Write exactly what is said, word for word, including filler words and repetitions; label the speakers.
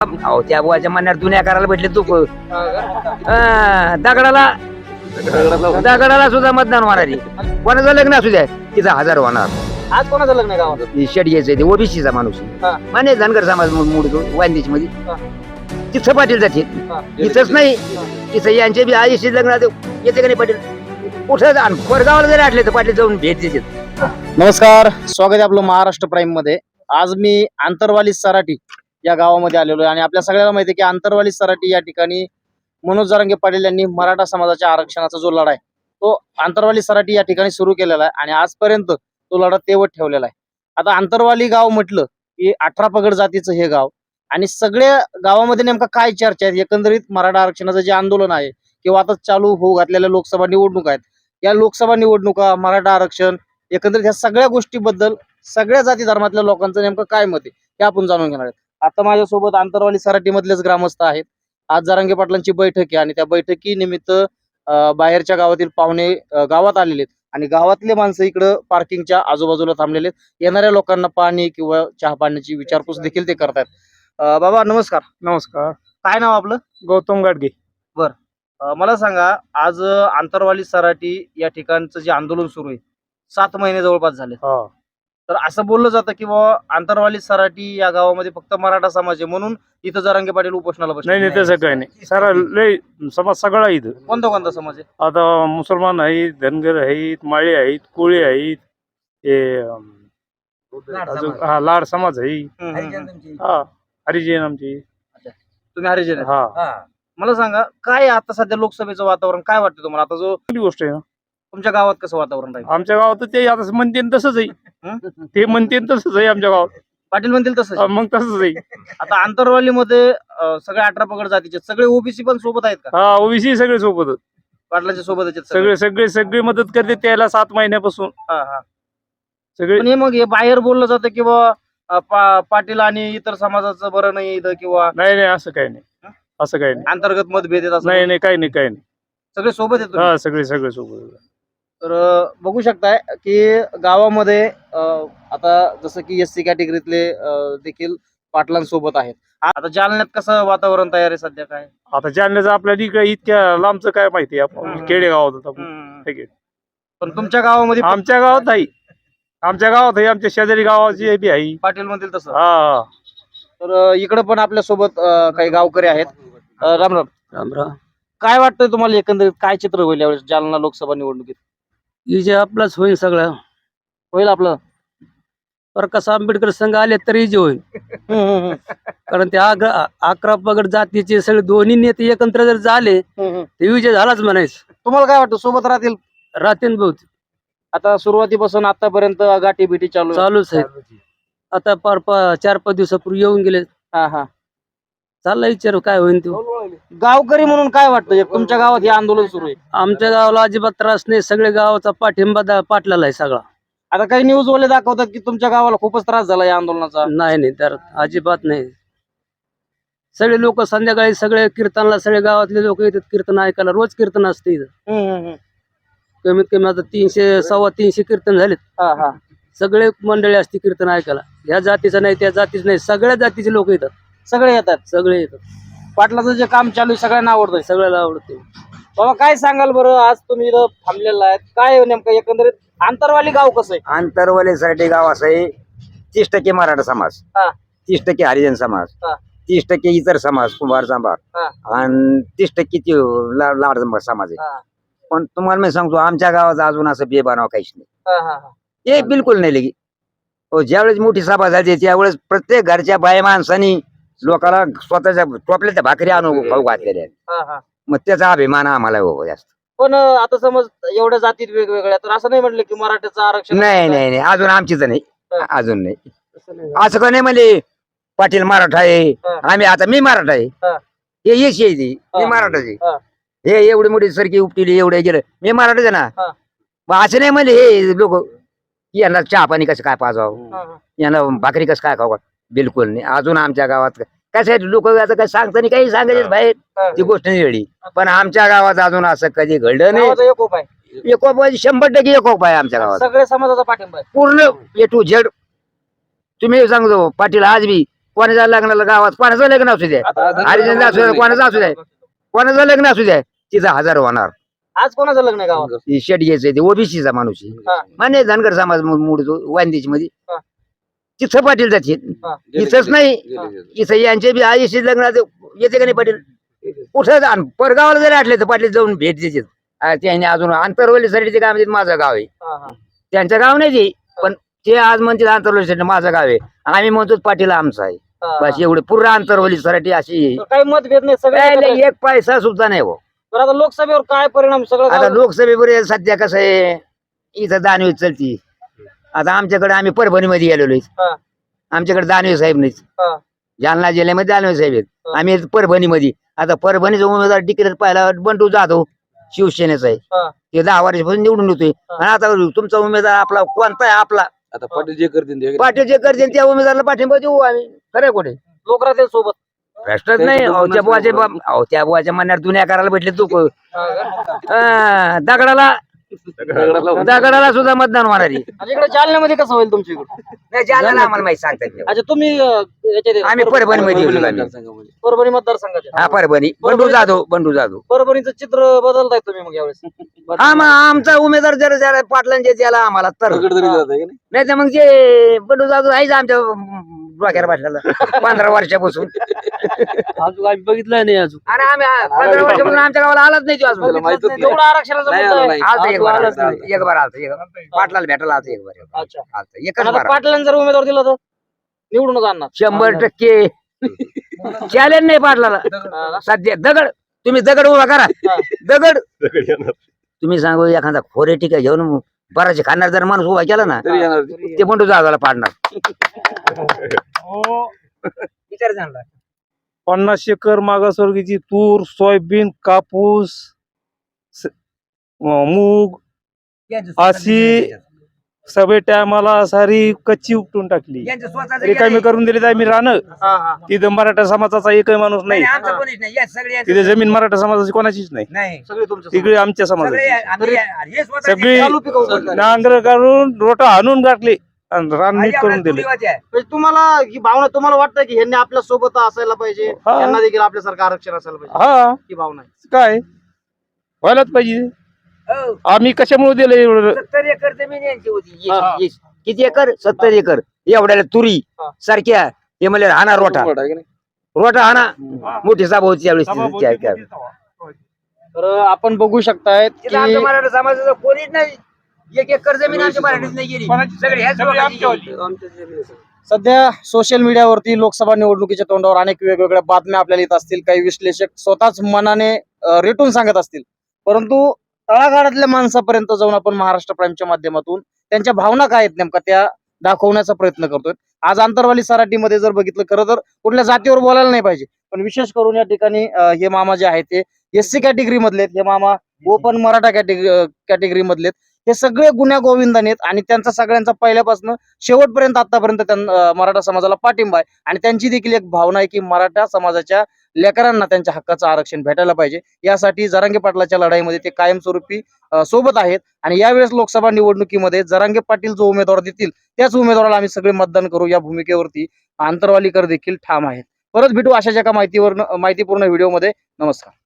Speaker 1: अहो त्या बुवाच्या मनात दुनिया करायला भेटले तू हा, दगडाला दगडाला सुद्धा मतदान होणार आहे. कोणाचं लग्न असू द्या तिचा हजार होणार.
Speaker 2: आज कोणाचं लग्न आहे गावात?
Speaker 1: शेट घ्यायचं ते ओबीसीचा माणूस
Speaker 2: हा.
Speaker 1: माने धनगर समाज मोडतो वांदेश मध्ये
Speaker 2: हा.
Speaker 1: तिथं पाटील जाते
Speaker 2: हा.
Speaker 1: इथंच नाही तिथं यांचे बी आईशी लग्न येते का नाही पाटील कुठं जा- कोरगावाला जरी आटले तर पाटील जाऊन भेट देतात.
Speaker 2: नमस्कार, स्वागत आहे आपलं महाराष्ट्र प्राईम मध्ये. आज मी आंतरवाली सराटी या गावामध्ये आलेलो आहे आणि आपल्या सगळ्याला माहिती आहे की आंतरवाली सराटी या ठिकाणी मनोज जरांगे पाटील यांनी मराठा समाजाच्या आरक्षणाचा जो लढा आहे तो आंतरवाली सराटी या ठिकाणी सुरू केलेला आहे आणि आजपर्यंत तो लढा तेवत ठेवलेला आहे. आता आंतरवाली गाव म्हटलं की अठरा पगड जातीचं हे गाव आणि सगळ्या गावामध्ये नेमका काय चर्चा आहे, एकंदरीत मराठा आरक्षणाचं जे आंदोलन आहे किंवा आता चालू होऊ घातलेल्या लोकसभा निवडणूक आहेत, या लोकसभा निवडणुका, मराठा आरक्षण, एकंदरीत ह्या सगळ्या गोष्टीबद्दल सगळ्या जाती धर्मातल्या लोकांचं नेमकं काय मत आहे हे आपण जाणून घेणार आहेत. आता माझ्यासोबत आंतरवाली सराटी मधलेच ग्रामस्थ आहेत. आज जरांगे पाटलांची बैठक आहे आणि त्या बैठकीनिमित्त अं, बाहेरच्या गावातील पाहुणे अं, गावात आलेले आहेत आणि गावातले माणसं इकडं पार्किंगच्या आजूबाजूला थांबलेले आहेत. येणाऱ्या लोकांना पाणी किंवा चहा पाण्याची विचारपूस देखील ते करतात. अं, बाबा नमस्कार.
Speaker 3: नमस्कार.
Speaker 2: काय नाव आपलं?
Speaker 3: गौतम गाडगे.
Speaker 2: अं, मला सांगा, आज अं, आंतरवाली सराटी या ठिकाणचं जे आंदोलन सुरू आहे, सात महिने जवळपास झाले,
Speaker 3: हा
Speaker 2: तर असं बोललं जातं की बाबा आंतरवाली सराटी या गावामध्ये फक्त मराठा समाज आहे म्हणून इथं जरांगे पाटील उपोषणाला बसले.
Speaker 3: नाही नाही तसं काही नाही. सारा लय समाज सगळा इथं.
Speaker 2: कोणता कोणता समाज आहे?
Speaker 3: आता मुसलमान आहेत, धनगर आहेत, माळी आहेत, कोळी आहेत, हे अं, अजून हा लाड समाज आहे.
Speaker 2: हम्म, हम्म, हम्म.
Speaker 3: हा हरिजन आमची.
Speaker 2: तुम्ही हरिजन आहे.
Speaker 3: हा
Speaker 2: मला सांगा, काय आता सध्या लोकसभेचं वातावरण काय वाटतं तुम्हाला? आता जो
Speaker 3: चांगली गोष्ट आहे ना.
Speaker 2: तुमच्या गावात कसं वातावरण राहील?
Speaker 3: आमच्या गावात ते आता म्हणते तसंच आहे.
Speaker 2: हं?
Speaker 3: ते म्हणते तसंच आहे आमच्या गावात.
Speaker 2: पाटील म्हणतील तसं.
Speaker 3: हा, मग तसंच आहे.
Speaker 2: आता आंतरवालीमध्ये अं, सगळे अठरा पगड जातीचे सगळे ओबीसी पण सोबत आहेत का?
Speaker 3: हा ओबीसी सगळे सोबत
Speaker 2: पाटलाच्या सोबत आहेत सगळे?
Speaker 3: सगळे सगळे सगळे मदत करते त्याला सात महिन्यापासून
Speaker 2: हा, हा.
Speaker 3: सगळे.
Speaker 2: पण हे मग हे बाहेर बोललं जातं की बाबा अं, पा- पाटील आणि इतर समाजाचं बरं नाही इथं किंवा
Speaker 3: नाही नाही असं काही नाही. असं काही नाही.
Speaker 2: अंतर्गत मतभेद आहेत असं
Speaker 3: नाही नाही काही नाही काही नाही.
Speaker 2: सगळे सोबत आहेत तुम्ही?
Speaker 3: हा सगळे सगळे सोबत.
Speaker 2: तर अं, बघू शकताय की गावामध्ये अं, आता जसं की एस सी कॅटेगरीतले अं, देखील पाटलांसोबत आहेत. आता जालन्यात कसं वातावरण तयार आहे सध्या काय?
Speaker 3: आता जालन्याचं आपल्याला इकडे इतक्या लांबचं काय माहिती आपण
Speaker 2: हम्म.
Speaker 3: खेडेगावात होतो आपण.
Speaker 2: हम्म.
Speaker 3: ठीक आहे.
Speaker 2: पण तुमच्या गावामध्ये
Speaker 3: आमच्या गावात आहे आमच्या गावात आहे आमच्या शेजारी गावाची बी आहे.
Speaker 2: पाटील म्हणतील तसं.
Speaker 3: हा
Speaker 2: तर अं, इकडं पण आपल्या सोबत काही गावकरी आहेत. अं, राम राम.
Speaker 1: राम राम.
Speaker 2: काय वाटतंय तुम्हाला, एकंदरीत काय चित्र होईल यावेळेस जालना लोकसभा निवडणुकीत?
Speaker 1: जे आपलाच होईल सगळं.
Speaker 2: होईल आपलं?
Speaker 1: प्रकाश आंबेडकर संघ आले तरी जे होईल.
Speaker 2: हम्म, हम्म, हम्म.
Speaker 1: कारण ते अकरा अकरा पगड जातीचे सगळे दोन्ही नेते एकत्र जर झाले
Speaker 2: हम्म, हम्म.
Speaker 1: ते विजय झालाच म्हणायचं.
Speaker 2: तुम्हाला काय वाटतं, सोबत राहतील?
Speaker 1: राहतील बहुत
Speaker 2: आता सुरुवातीपासून आतापर्यंत गाठी भेटी चालू आहे.
Speaker 1: चालूच आहे. आता पार पा- चार पाच दिवसापूर्वी येऊन गेले.
Speaker 2: हा हा
Speaker 1: चालला विचार काय होईल ते.
Speaker 2: गावकरी म्हणून काय वाटतं, एक तुमच्या गावात हे आंदोलन सुरू आहे?
Speaker 1: आमच्या गावाला अजिबात त्रास नाही. सगळे गावाचा पाठिंबा दा- पाटलाला आहे सगळा.
Speaker 2: आता काही न्यूज वाले दाखवतात की तुमच्या गावाला खूपच त्रास झाला या आंदोलनाचा.
Speaker 1: नाही नाही तर अजिबात नाही. सगळे लोक संध्याकाळी सगळे कीर्तनला सगळे गावातले लोक येतात कीर्तन ऐकायला. रोज कीर्तन असते इथं.
Speaker 2: हम्म, हम्म, हम्म.
Speaker 1: कमीत कमी आता तीनशे सव्वा तीनशे कीर्तन झालेत.
Speaker 2: हा हा
Speaker 1: सगळे मंडळी असते कीर्तन ऐकायला. ह्या जातीचं नाही त्या जातीचं नाही, सगळ्या जातीचे लोक येतात.
Speaker 2: सगळे येतात.
Speaker 1: सगळे येतात.
Speaker 2: पाटलाचं जे काम चालू आहे सगळ्यांना आवडतंय.
Speaker 1: सगळ्याला आवडते.
Speaker 2: बाबा काय सांगाल बरं, आज तुम्ही इथं थांबलेला आहे, काय नेमकं एकंदरीत आंतरवाली गाव कसं आहे?
Speaker 1: आंतरवालीसाठी गाव असं आहे. तीस टक्के मराठा समाज,
Speaker 2: हा.
Speaker 1: तीस टक्के हरिजन समाज,
Speaker 2: हा.
Speaker 1: तीस टक्के इतर समाज कुंभार सांबार
Speaker 2: हा.
Speaker 1: आणि तीस टक्के ते ला- लाड समाज आहे.
Speaker 2: हा,
Speaker 1: पण तुम्हाला मी सांगतो आमच्या गावात अजून असं बेबानाव काहीच नाही.
Speaker 2: हा, हा, हा.
Speaker 1: हे बिलकुल नाही लगी. हो, ज्यावेळेस मोठी सभा झाली त्यावेळेस प्रत्येक घरच्या बाय माणसानी लोकांना स्वतःच्या टोपल्याच्या भाकरी आणून खाऊ घातलेल्या आहेत.
Speaker 2: हा, हा.
Speaker 1: मग त्याचा अभिमान आम्हाला हो जास्त.
Speaker 2: पण अं, आता समज एवढ्या जातीत वेगवेगळ्या, तर असं नाही म्हटलं की मराठ्याचं आरक्षण
Speaker 1: नाही नाही नाही अजून आमचीच नाही.
Speaker 2: हा.
Speaker 1: अजून नाही.
Speaker 2: असं नाही.
Speaker 1: असं का नाही म्हणले पाटील मराठा आहे
Speaker 2: हा.
Speaker 1: आम्ही आता मी मराठा आहे.
Speaker 2: हा.
Speaker 1: हे येशी आहे ती मी
Speaker 2: हा.
Speaker 1: मराठाची.
Speaker 2: हा.
Speaker 1: हे एवढी मोठी सरकी उपटिली एवढे गेलं मी मराठाच आहे ना.
Speaker 2: हा.
Speaker 1: मग असं नाही म्हणले हे लोक यांना चहा पाणी कसं काय पाजावं,
Speaker 2: हा, हा.
Speaker 1: यांना भाकरी कसं काय खावं. बिलकुल नाही. अजून आमच्या गावात कसं आहे लोक आता काय सांगताना काही सांगायचे बाहेर
Speaker 2: हा.
Speaker 1: ती गोष्ट नाही वेळी. पण आमच्या गावात अजून असं कधी घडलं नाही.
Speaker 2: गावाचा एकोप आहे.
Speaker 1: एकोप शंभर टक्के एकोप आहे आमच्या गावात.
Speaker 2: सगळे समाजाचा पाठिंबा आहे.
Speaker 1: पूर्ण ए टू झेड. तुम्ही सांगतो पाटील आज बी कोणाच्या लग्नाला गावात कोणाचं लग्न असू द्या हरिजन असू द्या कोणाचं असू द्या कोणाचं लग्न असू द्या तिथं हजार होणार.
Speaker 2: आज कोणाचं लग्न आहे गावात?
Speaker 1: ती शेट घ्यायचं ते ओबीसीचा माणूस आहे.
Speaker 2: हा.
Speaker 1: मान्य धनगर समाज मोडतो वांदेची मध्ये
Speaker 2: हा.
Speaker 1: तिथं पाटील जाते
Speaker 2: हा.
Speaker 1: इथंच नाही इथं यांचे बी आईशी लग्न येते का नाही पाटील कुठं आणि परगावाला जरी आटले तर पाटील जाऊन भेट देतात. आ, त्यांनी अजून आंतरवलीसाठी ते काय म्हणतात माझं गाव आहे
Speaker 2: हा, हा.
Speaker 1: त्यांचं गाव नाही ते पण ते आज म्हणतात आंतरवलीसाठी माझं गाव आहे आम्ही म्हणतो पाटील आमचा आहे.
Speaker 2: हा,
Speaker 1: बस एवढे पूर्ण आंतरवलीसाठी अशी आहे.
Speaker 2: तर काही मतभेद नाही सगळे
Speaker 1: काय
Speaker 2: एकत्र
Speaker 1: नाही, एक पैसा सुद्धा नाही हो.
Speaker 2: बरं, आता लोकसभेवर काय परिणाम सगळं
Speaker 1: आता
Speaker 2: गाव-
Speaker 1: लोकसभेवर सध्या कसं आहे इथं दानवे चलती. आता आमच्याकडे आम्ही परभणीमध्ये गेलेलो
Speaker 2: हा.
Speaker 1: आमच्याकडे दानवे साहेब नाहीत.
Speaker 2: हा.
Speaker 1: जालना जिल्ह्यामध्ये दानवे साहेब आहेत
Speaker 2: हा.
Speaker 1: आम्ही परभणीमध्ये आता परभणीचा उमेदवार तिकीट पाहिला बंडू जाधव शिवसेनेचा आहे
Speaker 2: हा.
Speaker 1: ते दहा वर्षापासून निवडून येतोय आणि आता तुमचा उमेदवार आपला कोणता आहे आपला
Speaker 4: आता पाटील जे करतील ते
Speaker 1: पाटील जे करतील त्या उमेदवाराला पाठिंबा देऊ आम्ही खरं कुठे
Speaker 2: लोक राहतील सोबत.
Speaker 1: भ्रष्टच नाही अहो, त्या बुवाचे बा- अहो, त्या बुवाच्या मनात दुनिया करायला भेटले तू दगडाला दगडाला सुद्धा मतदान होणार आहे.
Speaker 2: आणि इकडे जालन्यामध्ये कसं होईल तुमच्या इकडे?
Speaker 1: नाही, जालन्याला आम्हाला माहिती सांगता येत नाही.
Speaker 2: अच्छा तुम्ही अं, याच्यात
Speaker 1: आम्ही परभणीमध्ये येऊ आम्ही.
Speaker 4: मतदारसंघामध्ये.
Speaker 2: परभणी मतदारसंघाचे
Speaker 1: हा परभणी बंडू जाधव बंडू जाधव
Speaker 2: परभणीचं चित्र बदलताय तुम्ही मग यावेळेस.
Speaker 1: हा मग आमचा उमेदवार जर ज्याला पाटलांचे त्याला आम्हाला तर
Speaker 4: दगड तरी जात आहे की नाही?
Speaker 1: नाही तर मग जे बंडू जाधव आहेच आमच्या डोक्यावर बसलेला पंधरा वर्षापासून
Speaker 5: अजून आम्ही बघितलं नाही अजून.
Speaker 1: आणि आम्ही आ- पंधरा वर्षापासून आमच्या गावाला आलाच नाही तो अजून
Speaker 4: त्याला माहीतच नाही.
Speaker 2: एवढा आरक्षणाचा
Speaker 4: नाही
Speaker 2: मुद्दा
Speaker 4: आला,
Speaker 2: आहे.
Speaker 4: नाही.
Speaker 1: आलता एक बार
Speaker 4: आलाच
Speaker 1: आलता,
Speaker 4: नाही.
Speaker 1: एक बार आलता एक पाटलाला भेटायला आलता एक बार
Speaker 2: अच्छा.
Speaker 1: आलता एकच
Speaker 2: पण आता
Speaker 1: बार
Speaker 2: पाटलांनी जर उमेदवार दिला तर निवडूनच आणणार.
Speaker 1: शंभर टक्के चॅलेंज नाही पाटलाला
Speaker 2: हा.
Speaker 1: सध्या दगड तुम्ही दगड उभा करा
Speaker 2: हा.
Speaker 1: दगड तुम्ही सांगू एखादा खोरे टिका घेऊन बराचसे खाणार जर माणूस उभा केला ना
Speaker 4: तरी येणार ते.
Speaker 1: ते बंडू जाधवला पाडणार विचार झाला
Speaker 3: पन्नास एकर मागासवर्गीची तूर सोयाबीन कापूस स- अं, मूग अशी सगळे टायमाला सारी कच्ची उपटून टाकली रिकामी करून दिली तर आम्ही राहणं
Speaker 2: हा, हा.
Speaker 3: तिथं मराठा समाजाचा एकही माणूस नाही तिथे जमीन मराठा समाजाची कोणाचीच नाही
Speaker 2: सगळे तुमच्या
Speaker 3: तिकडे आमच्या समाजाची सगळी
Speaker 2: चालू पिकवून करतात.
Speaker 3: नांगर काढून रोटा आणून टाकले आणि रान नीट करून दिले
Speaker 2: म्हणजे तुम्हाला ही भावना तुम्हाला वाटतं की ह्यांनी आपल्या सोबत असायला पाहिजे
Speaker 3: हा.
Speaker 2: यांना देखील आपल्यासारखं आरक्षण असायला पाहिजे
Speaker 3: हा
Speaker 2: ही भावना आहे.
Speaker 3: काय व्हायलाच पाहिजे आम्ही कशामुळे दिलं एवढं
Speaker 1: सत्तर एकर जमीन यांची होती
Speaker 2: हा, हा.
Speaker 1: Yes- yes. किती एकर सत्तर एकर एवढ्याला तुरी
Speaker 2: हा.
Speaker 1: सारख्या हे म्हणले हाना रोटा
Speaker 4: मोठा आहे की नाही?
Speaker 1: रोटा हाना मोठी सभा होती त्यावेळेस त्या- त्या-
Speaker 2: तर आपण बघू शकतायत
Speaker 1: तिथं आमच्या
Speaker 2: की
Speaker 1: मराठा समाजाचं कोणीच नाही एक एकर जमीन आमच्या मराठीत नाही गेली सगळे ह्याच लोकांची.
Speaker 2: सध्या सोशल मीडियावरती लोकसभा निवडणुकीच्या तोंडावर अनेक वेगवेगळ्या बातम्या आपल्याला येत असतील काही विश्लेषक स्वतःच मनाने अं, रेटून सांगत असतील परंतु तळागाळातल्या माणसापर्यंत जाऊन आपण महाराष्ट्र प्राईमच्या माध्यमातून त्यांच्या भावना काय आहेत नेमका त्या दाखवण्याचा प्रयत्न करतोय. आज आंतरवाली सराटीमध्ये जर बघितलं खरं तर कुठल्या जातीवर बोलायला नाही पाहिजे पण विशेष करून या ठिकाणी अं, हे मामा जे आहेत ते एस सी कॅटेगरी मधले आहेत हे मामा ओपन मराठा कॅटेगरी कॅटेगरी मधले आहेत. हे सगळे गुन्ह्या गोविंदाने आहेत आणि त्यांचा सगळ्यांचा पहिल्यापासून शेवटपर्यंत आतापर्यंत त्यां- मराठा समाजाला पाठिंबा आहे आणि त्यांची देखील एक भावना आहे की मराठा समाजाच्या लेकरांना त्यांच्या हक्काचं आरक्षण भेटायला पाहिजे यासाठी जरांगे पाटलाच्या लढाईमध्ये ते कायमस्वरूपी अं, सोबत आहेत आणि यावेळेस लोकसभा निवडणुकीमध्ये जरांगे पाटील जो उमेदवार देतील त्याच उमेदवाराला आम्ही सगळे मतदान करू या भूमिकेवरती आंतरवालीकर देखील ठाम आहेत. परत भेटू अशाच एका माहितीवर माहितीपूर्ण व्हिडिओमध्ये. नमस्कार.